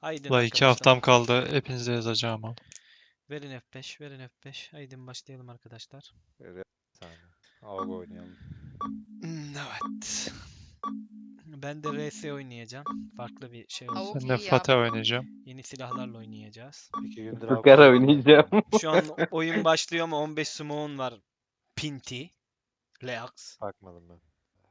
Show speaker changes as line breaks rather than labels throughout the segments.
Haydin
La 2
arkadaşlar.
haftam kaldı. Hepinize yazacağım ama.
Verin F5, verin F5. Haydin başlayalım arkadaşlar.
Bir saniye. AUG oynayalım.
Evet. Ben de RS oynayacağım. Farklı bir şey olsun.
Avuk
Ben de
iyi ya.
Fatih oynayacağım.
Yeni silahlarla oynayacağız.
2 gündür
Fıkara
AUG
oynayacağım.
Şu an oyun başlıyor ama 15 smoke'un var. Pinti. Leax.
Bakmadım ben.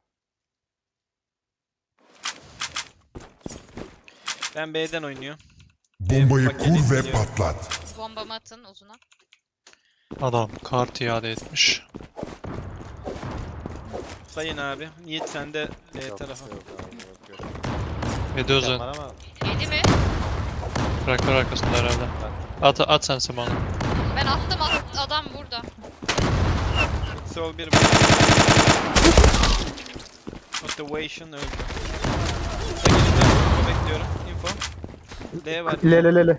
Ben B'den oynuyorum.
Bombayı
Paketi
kur ve
biliyorum.
patlat.
Bombamı atın uzuna.
Adam kart iade etmiş.
Sayın abi. Yiğit sen de B
Yok,
tarafa.
yok abi, yok.
Ediyoruz
Var ama
Yedi mi?
traktör arkasında herhalde. At sen Simon'u.
Ben attım adam burada.
Sol bir Motivation öldü. Kısa geleceğim. Info bekliyorum. Info. D var.
Lelelele.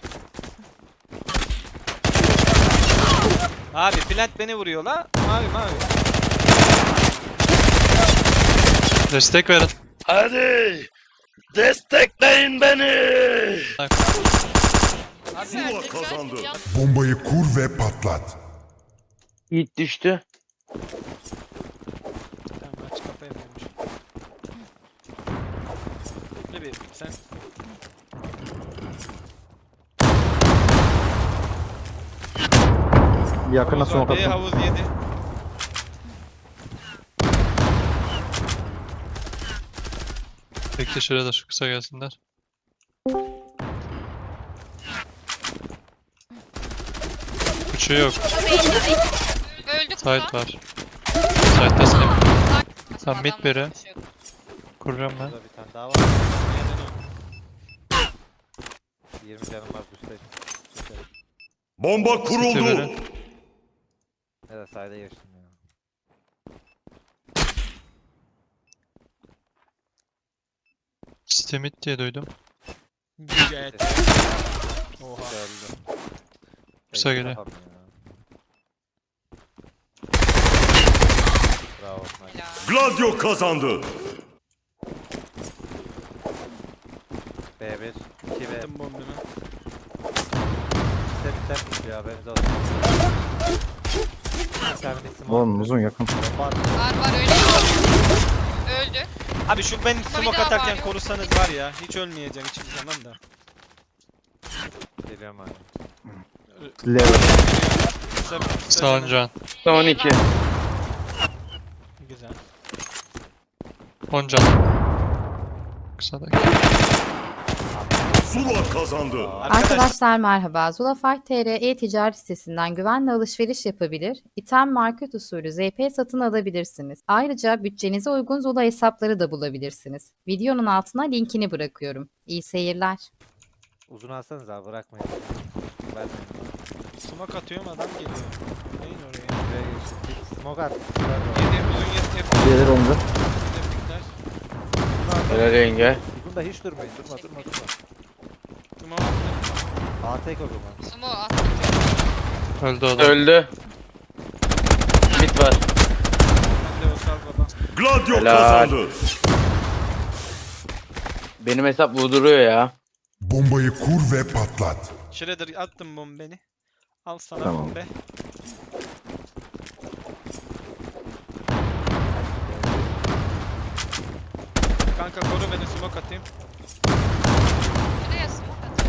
Abi plant beni vuruyor la. Mavi mavi.
Destek verin.
Hadi! Destekleyin beni!
Abi
Zula
verdik,
kazandı.
verdik.
Bombayı kur ve patlat.
Yiğit düştü.
Tamam aç kafa yapıyormuş. Ne bir sen.
Yakına
Havuz var.
smoke
B
attım.
havuz yedi.
Bekle şuraya da şu kısa gelsinler. Küçüğü yok.
Öldük
Site var. Site'desin hep. Tamam, mid biri. Kuracağım ben.
burada bir tane daha var. 20 canım var üstte. Üstte.
Bomba
City
kuruldu.
biri.
Ne de sayda geçtim ya.
City mid diye duydum.
Gayet. Oha.
Öldü.
Kısa
Tek
geliyor.
kafam ya. Bravo. Nice.
Gladio kazandı.
B1, 2 B.
Attım bombunu.
İşte biter ya haberiniz olsun. Bir tane de smoke.
Oğlum uzun yakın.
Bomba attı.
Var öyle. Öldü.
Abi şu ben smoke
daha
atarken
var,
korusanız var ya. Hiç ölmeyeceğim hiçbir zaman da.
Geliyorum abi.
Level.
Kısa
Sağın can.
12.
Güzel.
10 can. Kısadaki.
Zula kazandı.
Arkadaşlar merhaba. Zulafar TR e-ticaret sitesinden güvenle alışveriş yapabilir, İtem market usulü ZP satın alabilirsiniz. Ayrıca bütçenize uygun Zula hesapları da bulabilirsiniz. Videonun altına linkini bırakıyorum. İyi seyirler.
Uzun alsanız abi bırakmayın. Vermeyin.
Smoke atıyorum adam geliyor. Neyin oraya?
Buraya geçtik. Smoke at.
Yedi uzun yedi.
Gelir onca.
Helal
yenge.
Uzun da hiç durmayın. Durma.
Smoke attım.
A tek o zaman.
Sumo attım.
Öldü adam.
Öldü. Mid var.
Ben de o sal baba.
Gladio
Helal.
kazandı.
Benim hesap vurduruyor ya.
Bombayı kur ve patlat.
Shredder attım bombeni. Al sana
Tamam.
bombe. Kanka koru beni smoke atayım.
Şuraya smoke atın.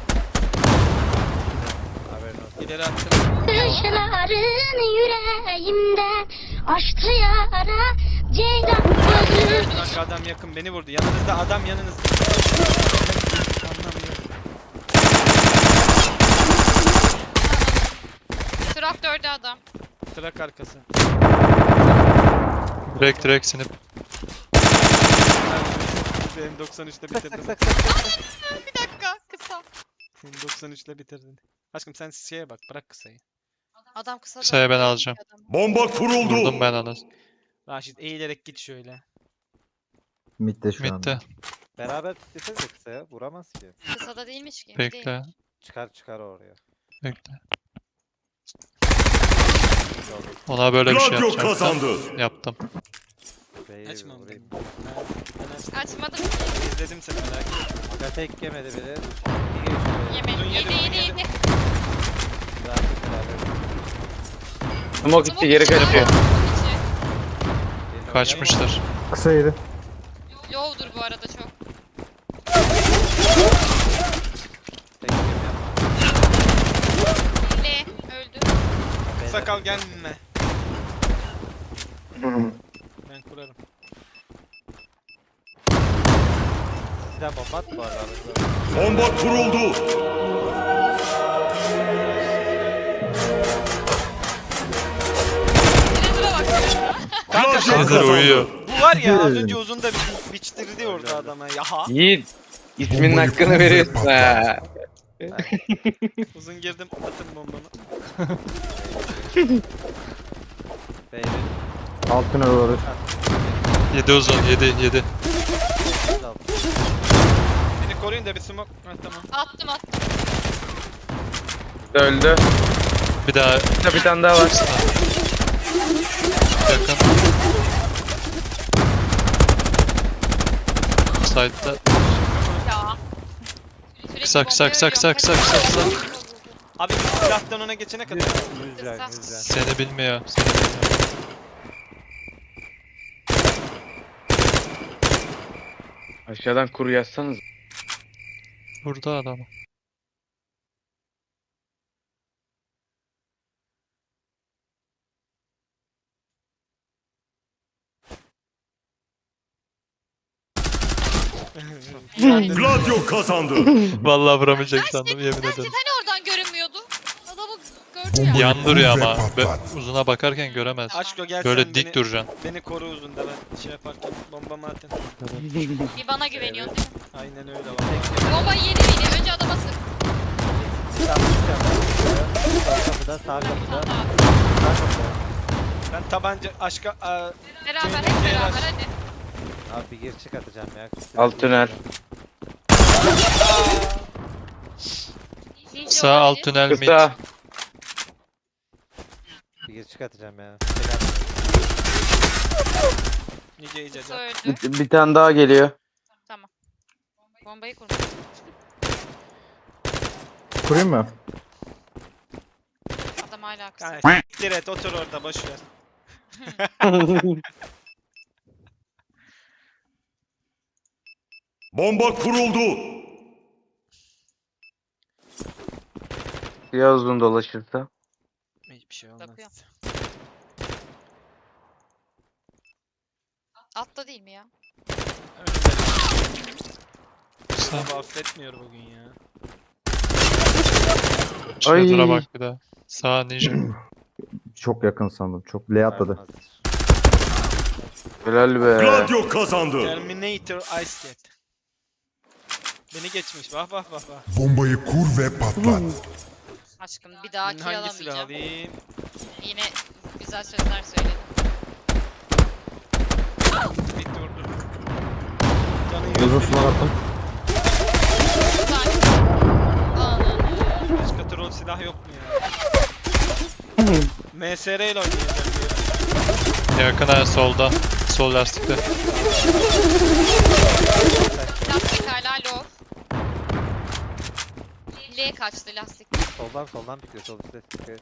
Haberin olsun.
İleri attım.
Kışların yüreğimde açtı yara ceylan gözü.
Kanka adam yakın beni vurdu. Yanınızda adam yanınızda. Anlamıyorum.
Traktörde adam.
Trak arkası.
Direkt sinip.
Benim 93'te bitirdim.
Bir dakika kısa.
Benim 93'te bitirdim. Aşkım sen şeye bak bırak kısayı.
Adam kısa.
Kısaya ben alacağım.
Bomba kuruldu.
Vurdum ben onu.
Raşit eğilerek git şöyle.
Mid'de şu
Mid'de.
anda.
Beraber tutsenize kısaya. Vuramaz ki.
Kısada değilmiş ki.
Bekle.
Çıkar oraya.
Bekle. Ona böyle bir şey
Gladio
yapacağım.
kazandı.
Yaptım.
B'ye
Açmam
vurayım.
Ben açtım.
Açmadım.
İzledim seni merak etme.
Aga tek yemedi biri. İyi geçiyor.
Yemedim.
Uzun yedi,
Yedi
uzun
yedi
yedi.
yedi.
Bıraktık beraber.
Smoke gitti geri
Smoke
kaçıyor.
içi.
Geliyor.
Kaçmışlar.
Kısa yedi.
Low'dur bu arada çok.
Tek yemiyor.
L öldü.
Sakal gelme. Ben kurarım.
Sizden bomba at bu arada.
Bomba kuruldu.
Trevor'a bak.
Kanka
Gladio
Nedir uyuyor?
bu var ya az önce uzun da biçtirdi orada adama ya.
Yiğit. İsminin
Bombayı
hakkını
kur ve
veriyorsun
patlat.
ha.
Uzun girdim atın bombanı.
B'ye
Alt tünel olur.
7 uzun 7.
Beni koruyun da bir smoke. Ha, tamam.
Attım.
Öldü.
Bir daha
Bir tane daha var.
yakın. Side'da.
Ya. Sürekli
Kısa kısa
bombayı
kısa
ölüyorum.
kısa kısa kısa kısa.
Abi silahtan ona geçene kadar.
Yüzden.
Seni bilmiyor. Seni bilmiyor.
Aşağıdan kuru yazsanız.
Burada adam.
Gladio kazandı.
Vallahi vuramayacak sandım yemin ederim.
Hani oradan görünmüyordu. Adamı gördü ya.
Bombayı
Yan duruyor
kur ve
ama.
patlat.
Uzuna bakarken göremez.
Aşko gel
Böyle
sen
dik
beni,
duracaksın.
beni koru uzun da ben şey yaparken bombamı atın.
Bir bana güveniyorsun değil mi?
Aynen öyle var.
Bombayı yedi miydi? Önce adama sık.
Sağ kapıda, sağ
Bir
kapıda.
tane daha.
Sağ kapıda.
Ben tabanca aşka
Beraber
Cemil,
hep
diğer
beraber
aç.
hadi.
Abi bir gir çık atacağım ya.
Alt tünel.
Ninja
Sağ alt
olabilir.
tünel mid.
Kısa.
Bir gir çık atacağım ya.
nice iyice
Kısa
can.
öldü.
Bir tane daha geliyor.
Tamam. Bombayı kurmuş.
Kurayım mı?
Adam hala kısa.
Yani siktir et otur orada boş ver.
Bomba kuruldu.
Ya uzun dolaşırsa.
Hiçbir şey olmaz.
Bakıyorum. Altta değil mi ya?
Sağ.
Abi affetmiyor bugün ya.
Şuraya
Ay.
bak bir daha. Sağ ninja.
Çok yakın sandım. Çok L atladı. Helal be.
Gladio kazandı.
Terminator Ice Cat. Beni geçmiş. Vah vah vah vah.
Bombayı kur ve patlat.
Aşkım bir daha
Ben
kill
hangi silah
alamayacağım.
alayım?
Yine güzel sözler söyledim.
Bir durdur. Canı
Uzun
yok.
sular attım.
Bir tane. Ananı.
Başka troll silah yok mu ya? MSR ile oynayacağım diye.
Yakın ha solda. Sol lastikte.
Lastik hala low. L kaçtı lastik.
Soldan bitiyor. Sol üstte çıkıyor.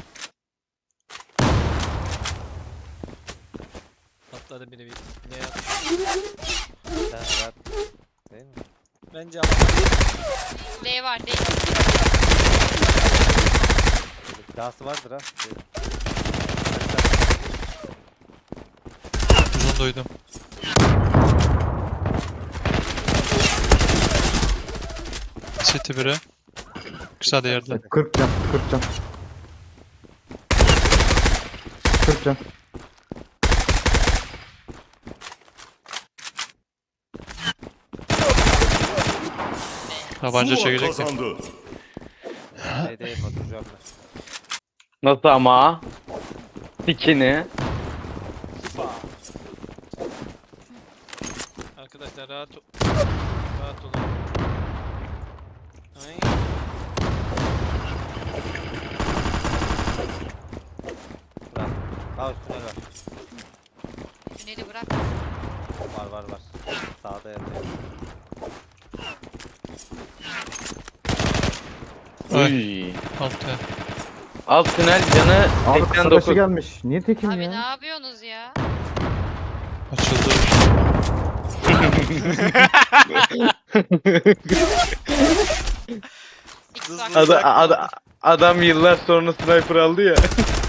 Patladı biri bir. Ne yap?
Sen rahat. Değil mi?
Bence ama.
L var değil.
Böyle bir dahası vardır ha.
Uzun duydum. City biri. Kısa da yerde.
40 can. 40 can. 40 can.
Tabanca
Zula
çekecek.
kazandı.
Şeydeyim oturacağım ben.
Nasıl ama? Dikini.
Arkadaşlar rahat olun. Ay.
Bırak. Sağ üstüne ver.
Tüneli bırak.
Var. Sağda yatıyor.
Ay.
Uy.
Altta.
Alt tünel canı Abi kısa 89. başı gelmiş. Niye tekim
Abi ne
ya?
yapıyorsunuz ya?
Açıldı.
Zikzak.
Adam yıllar sonra sniper aldı ya.
Of.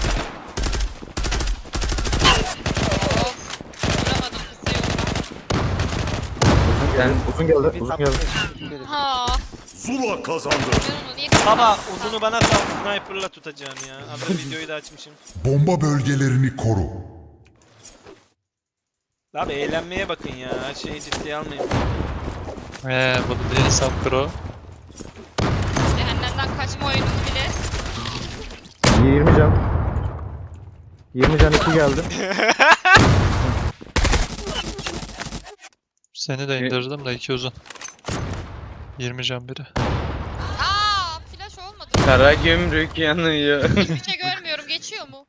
Vuramadım kısa yolda.
Sen
Bir
uzun geldi. Uzun
sapı
geldi.
geçti.
Ha.
Zula kazandı.
Ben onu niye
Baba uzunu bana sal, sniper'la tutacağım ya. Abi videoyu da açmışım.
Bomba bölgelerini koru.
Abi eğlenmeye bakın ya. Her şeyi ciddiye almayın.
Bunu değil hesap pro.
Cehennemden kaçma oyununu bile.
20 can. 20 can 2 geldi.
Seni de indirdim de 2 uzun. 20 can biri.
Aa, flash olmadı.
Kara gümrük yanıyor.
Hiçbir şey görmüyorum. Geçiyor mu?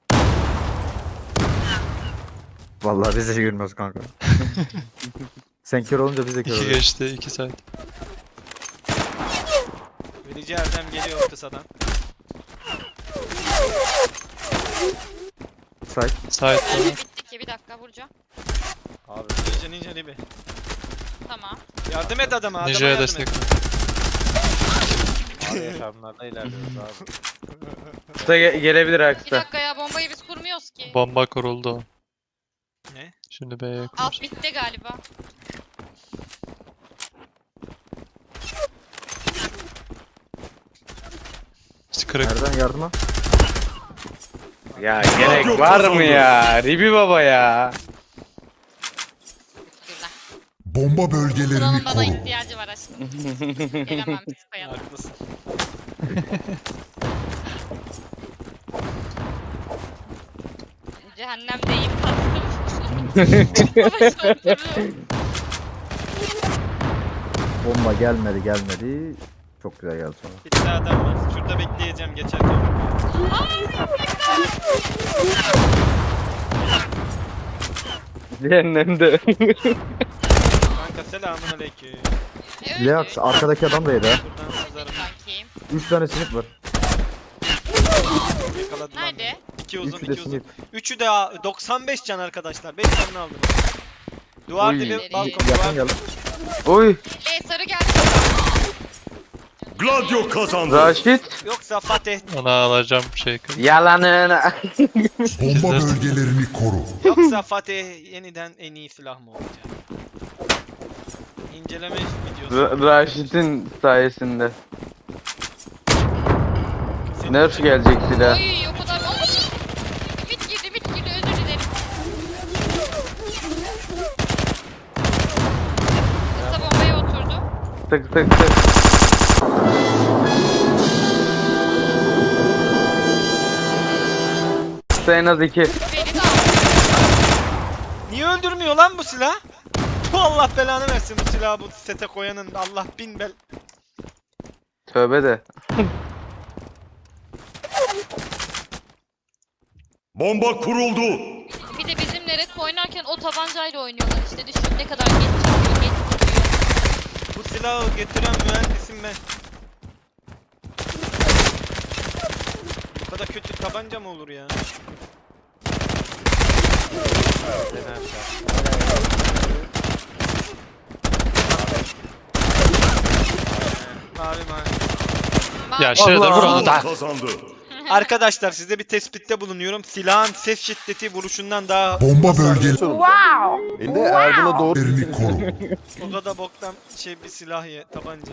Vallahi biz de gülmüyoruz kanka. Sen kör olunca biz de kör
2
oluyoruz.
geçti 2 saat.
Verici Erdem geliyor kısadan.
Say.
Sait bana.
Bitti ki. Bir dakika vuracağım.
Abi
Ninja Libi.
Tamam.
Yardım et adama. Adama
Ninja'ya
yardım
destek.
et.
abi yaşamlarda ilerliyoruz abi.
Kısa gelebilir
Bir
aksa.
dakika ya bombayı biz kurmuyoruz ki.
Bomba kuruldu o.
Ne?
Şimdi B'ye
Alt
kurur.
bitti galiba.
Kırık.
Nereden yardıma? Ya gerek var mı ya? Ribi baba ya.
Güzel.
Bomba bölgelerini
Buranın bana
koru.
ihtiyacı var aşkım. Gelemem biz koyalım.
Haklısın.
Cehennemdeyim tatlım.
Bomba gelmedi. Çok güzel geldi sonra.
Bir tane adam var. Şurada bekleyeceğim geçerken.
Cehennemde.
Kanka selamun aleyküm.
Leax arkadaki adam da yedi ha.
Buradan sızarım.
Bakayım.
3 tane sinip var.
Yakaladılar.
Nerede?
2 uzun
3'ü de
2 uzun.
sinip.
Üçü de 95 can arkadaşlar. 5 canını aldım. Duvar
Uy.
dibi balkon
Yakın
duvar.
geldi. Oy.
Sarı geldi.
Gladio kazandı.
Raşit.
Yoksa Fatih.
Ona alacağım şey.
Yalanın.
Bomba bölgelerini koru.
Yoksa Fatih yeniden en iyi silah mı olacak? İnceleme videosu.
Raşit'in sayesinde.
Senin
Nerf gelecek silah.
Oy o kadar. Oy. Bit girdi özür dilerim. Kısa bombaya oturdu.
Tık tık tık. En az 2.
Beni de aldı.
Niye öldürmüyor lan bu silah? Bu Allah belanı versin bu silahı bu sete koyanın. Allah bin bel.
Tövbe de.
Bomba kuruldu.
Bir de bizimle red oynarken o tabancayla oynuyorlar işte. Düşün ne kadar geç çıkıyor, geç çıkıyor.
Bu silahı getiren mühendisim ben. Bu kadar kötü tabanca mı olur ya? Mavi mavi.
Ya Shredder vur onu
Zula
da.
kazandı.
Arkadaşlar size bir tespitte bulunuyorum. Silahın ses şiddeti vuruşundan daha
Bomba bölgelerini
Wow.
koru.
o kadar boktan bir silah ya tabanca.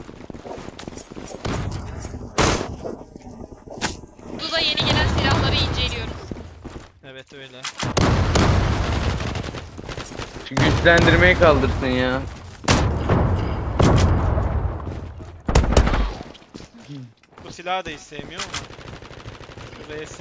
Duda yeni gelen silahları inceliyoruz.
Evet öyle.
Şu güçlendirmeyi kaldırsın ya.
Bu silahı da hiç sevmiyorum ama. Şu RS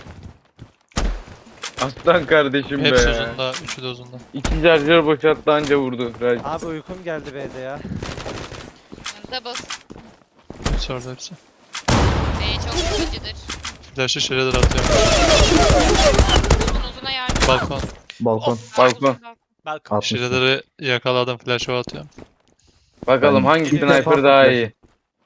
Aslan kardeşim
Hepsi
be.
uzunda. Üçü de uzunda.
2 şarjör boşalttı anca vurdu. Raşit.
Abi uykum geldi B'de ya.
Double.
Hepsi orada hepsi.
Çok sıkıcıdır.
Flash'ı Shredder atıyor.
Uzun uzuna yardım.
Balkon.
Balkon.
Balkon.
Balkon.
60.
Shader'ı yakaladım. Flash'ı atıyorum.
Bakalım
Ben
hangi
ilk defa
sniper daha
flash-
iyi.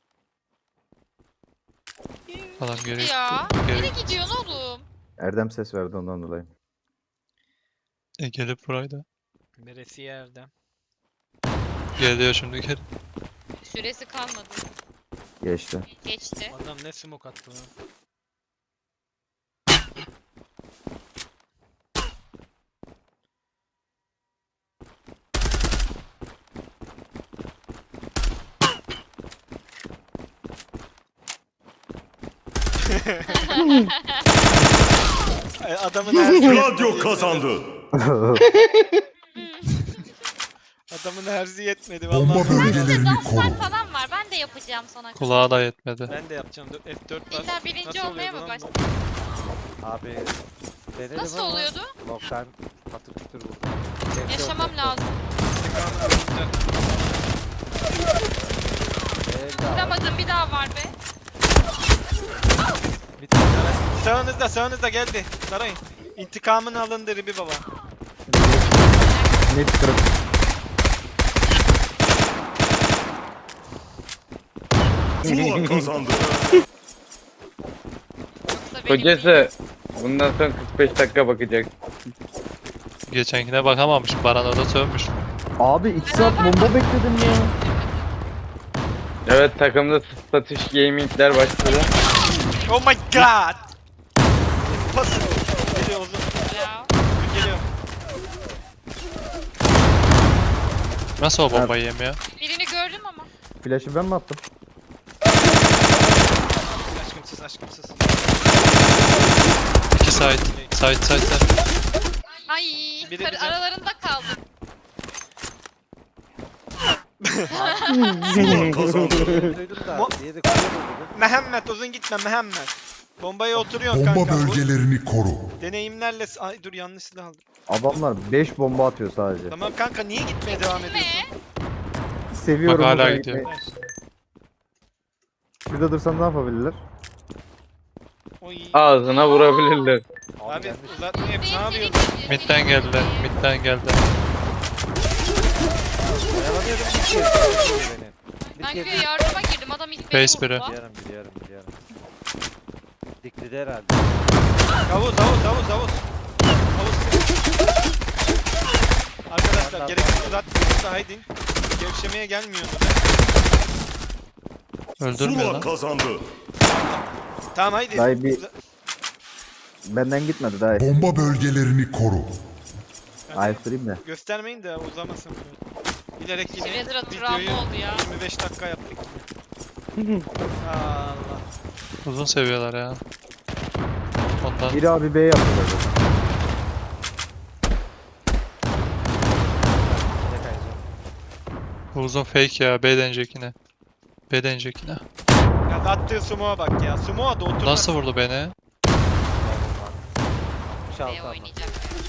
Adam geri
Ya.
geri
Nereye gidiyorsun oğlum?
Erdem ses verdi ondan dolayı.
gelip buraydı.
Neresi yerde?
Geliyor şimdi geri.
Süresi kalmadı.
Geçti.
Geçti.
Adam ne smoke attı lan? Adamın her
Gladio kazandı.
Adamın herzi yetmedi
Bomba
vallahi.
bölgelerini koru.
Danslar falan var. Ben de yapacağım sana.
Kulağa da yetmedi.
Ben de yapacağım. F4 bas.
İlla birinci
Nasıl
olmaya
oluyordu
mı
lan bu?
başladın?
Abi denedim
Nasıl
ama
oluyordu?
Loktan patır kütür vurdu.
Yaşamam lazım. Vuramadım, bir daha var be.
Bir tane
Sağınızda geldi. Sarayın. İntikamını alındı Ribi baba.
Net kırık.
Zula kazandı.
Yoksa benim değil.
Kocası bundan sonra 45 dakika bakacak.
Geçenkine bakamamış. Baran orada sövmüş.
Abi 2 saat bomba bekledim ya.
Evet takımda satış gamingler başladı.
Oh my god. Pas. Geliyor uzun.
Ya.
Geliyor.
Nasıl o bombayı yemiyor?
Birini gördüm ama.
Flash'ı ben mi attım?
Aşkımsız.
2 side. Side.
Ay,
Biri bize-
aralarında kaldım.
Zula kazandı.
duydum da diğeri kuruyor dedim.
Mehmet uzun gitme Mehmet. Bombaya oturuyorsun
Bomba
kanka. Bu
bölgelerini koru.
deneyimlerle... Ay dur yanlış silah aldım.
Adamlar 5 bomba atıyor sadece.
Tamam kanka niye gitmeye devam ediyorsun?
Ne?
Seviyorum.
Bak hala
bu
gidiyor.
rengi. Şurada dursam ne yapabilirler?
Oy.
Ağzına vurabilirler.
Abi
gelmiş.
uzatma hep ne yapıyorsun?
Mid'den geldiler. Mid'den geldiler.
Dayanamıyordum bir kez beni. Bir
Ben
kez
güya yardıma girdim. Adam ilk beni
Face biri.
vurdu.
biliyorum. Diklidi herhalde.
Havuz. Arkadaşlar gerekli uzatmıyorsa haydi. Gevşemeye gelmiyor.
Öldürmüyor
Zula
lan.
kazandı.
Tamam haydi.
Dayı bir- Benden gitmedi daha.
Bomba bölgelerini koru.
Ayıktırayım da.
Göstermeyin de uzamasın. Bilerek yine
Shredder'a
videoyu
travma oldu ya.
25 dakika yaptık. Allah.
Uzun seviyorlar ya. Ondan
Biri abi B yapıyor.
bu uzun fake ya. B denecek yine. B denecek yine.
Ya attığı sumo'a bak ya. Sumo'a da oturma.
Nasıl vurdu beni?
Şaltı
B
ama.
oynayacak.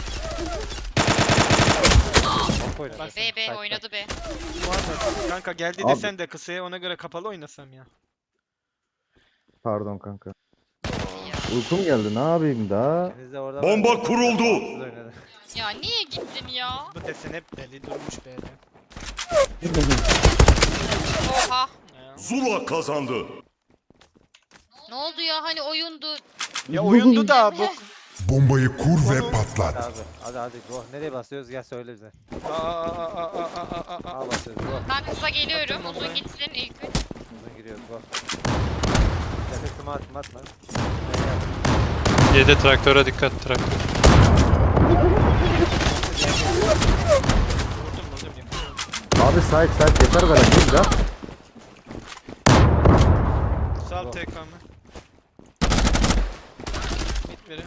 Bak oynadı.
Bak,
B oynadı B.
Kanka geldi
Abi.
desen de kısaya ona göre kapalı oynasam ya.
Pardon kanka. Uykum geldi ne yapayım da?
İkiniz de orada
Bomba
var.
kuruldu.
Siz oynadın.
Ya niye gittin ya?
Bu desen hep deli durmuş B'de.
Oha.
Ya.
Zula kazandı.
Ne oldu ya? Hani oyundu.
Ya oyundu da bu.
Bombayı kur ve patlat.
Hadi go. Nereye basıyoruz? Gel söyle bize.
Aa.
A basıyoruz go.
Ben kısa geliyorum.
Atın
Uzun
bombayı.
gitsin ilk üç.
Uzun giriyoruz go. Nefesimi atma.
7 traktöre dikkat traktör.
Vurdum ya.
Abi site yeter bana değil de.
Sal TK'mı. Mid verin.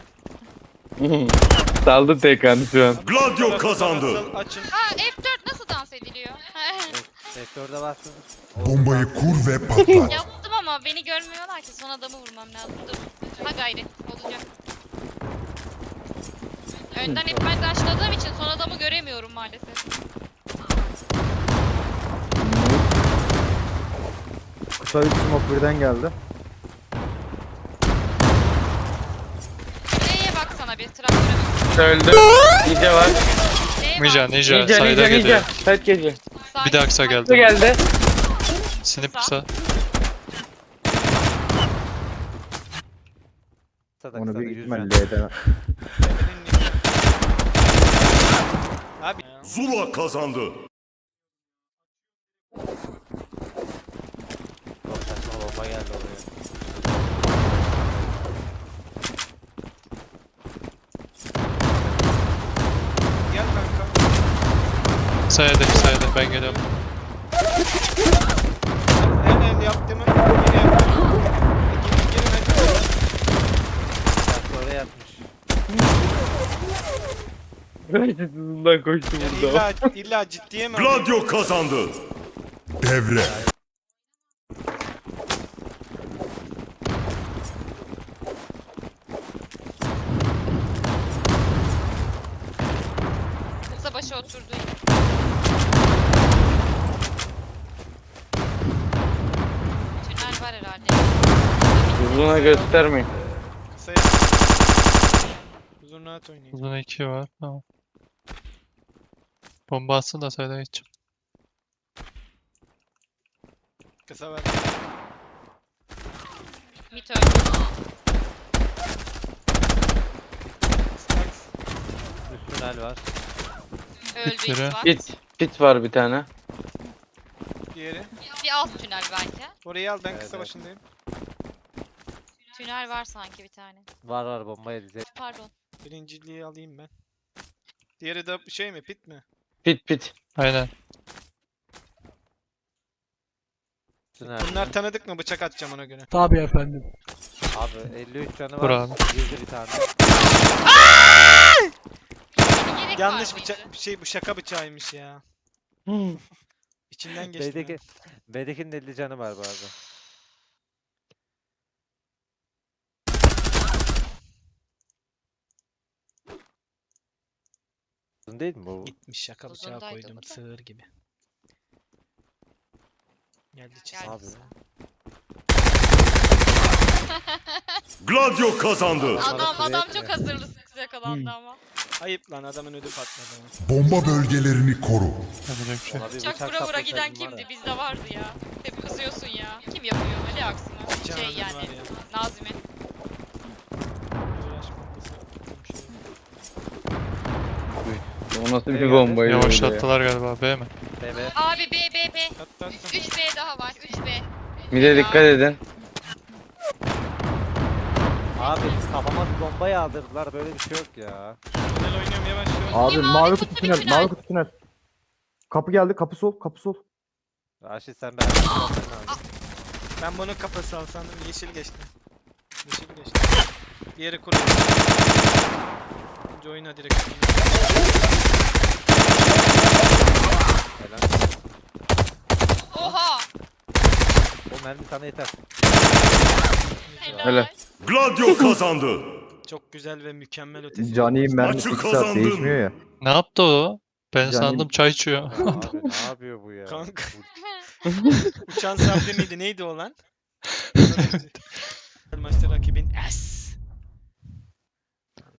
Saldı tekanı şu an.
Gladio kazandı.
Sal, açın.
Ha F4 nasıl dans ediliyor?
Sektörde bastın.
Bombayı kur ve patlat.
Yaptım ama beni görmüyorlar ki. Son adamı vurmam lazım. Dur. Ha gayret. Olacak. Önden hep ben daşladığım için son adamı göremiyorum maalesef.
Kısa 3 smoke birden geldi.
Neye baksana bir traktöre bak.
Kısa öldü. Ninja var.
Ninja, Ninja.
Ninja,
Sayda
ninja, ninja.
geliyor.
Side geliyor.
Bir daha kısa
Kısa
geldi.
geldi.
Sinip kısa.
Kısa
Onu
da
büyük
100
ihtimalle
can.
L'den
Abi
Zula kazandı.
Çok saçma bomba geldi oraya.
gel kanka.
Sayda, sayda. Ben geliyorum.
En el yaptığımı yine yapıyorum. Girin hadi.
Bak oraya atmış.
Hızından koştu
Yani
burada.
illa ciddiye mi alıyorsun?
Gladio kazandı. Devre.
Kısa başı oturdu. Tünel var herhalde.
Uzuna göstermeyin.
Kısa uzun rahat oynayın.
Uzun 2 var. Tamam. Bomba atsın da sayda geçeceğim.
Kısa ver.
Mit öldü.
Stacks.
Üst tünel var.
Öldü
Biri.
İsvat.
Pit var bir tane.
Diğeri.
Bir alt tünel belki.
Orayı al ben
Evet,
kısa
evet.
başındayım.
Tünel var sanki bir tane.
Var bombaya dize.
Pardon.
Birinciliği alayım ben. Diğeri de şey mi pit mi?
Pit.
Aynen.
Tünel.
Bunlar tanıdık mı? Bıçak atacağım ona göre.
Tabii efendim.
Abi 53 canı
Vur
var.
abi.
Girdi bir tane.
Bir gerek
Yanlış
var mıydı?
bıçak şey bu şaka bıçağıymış ya. İçinden geçti.
B'deki, B'dekinin 50 canı var bu arada. Uzun değil mi bu?
Gitmiş şaka bıçağı
Uzundaydı
koydum
bu da.
sığır gibi. Geldi çiz.
Geldi
Abi.
kısa.
Gladio kazandı.
Adam çok hazırlı yakalandı ama.
Ayıp lan adamın ödü patladı.
Bomba bölgelerini koru.
Yapacak bir şey.
Ona bir
Bıçak vura vura
saplasaydım
giden
var
kimdi?
ya.
Bizde vardı ya. Hep kızıyorsun ya. Kim yapıyor öyle aksine?
Bıçağın
Şey
adı
yani.
var ya.
Nazmi.
Uğraş bombası atacağım şöyle.
O nasıl bir
geldi?
bombaydı öyle ya?
Yavaşlattılar galiba. B mi?
BB.
Abi B.
Attı attı.
3B daha var. 3B.
Bir de dikkat edin.
Abi kafama bir bomba yağdırdılar. Böyle bir şey yok ya.
Tünel oynuyorum yavaş yavaş.
Abi
Bir mavi
mavi
kutu,
kutu
bir
tünel,
tünel.
mavi kutu tünel. Kapı geldi, kapı sol, kapı sol.
Raşit sen beraber yapman lazım.
Ben bunu kafası al sandım. Yeşil geçti. Yeşil geçti. Diğeri kuru. Önce oyna direkt.
Helal.
Oha!
O mermi sana yeter.
Helal.
Helal.
Gladio kazandı.
Çok güzel ve mükemmel ötesi.
Cani'nin mermisi
Maçı
2 saat
kazandın.
değişmiyor ya.
Ne yaptı o? Ben
Canim-
sandım çay içiyor.
Ya abi ne yapıyor bu ya?
Kanka.
Bu-
Uçan sabri miydi? Neydi o lan? Maçta rakibin S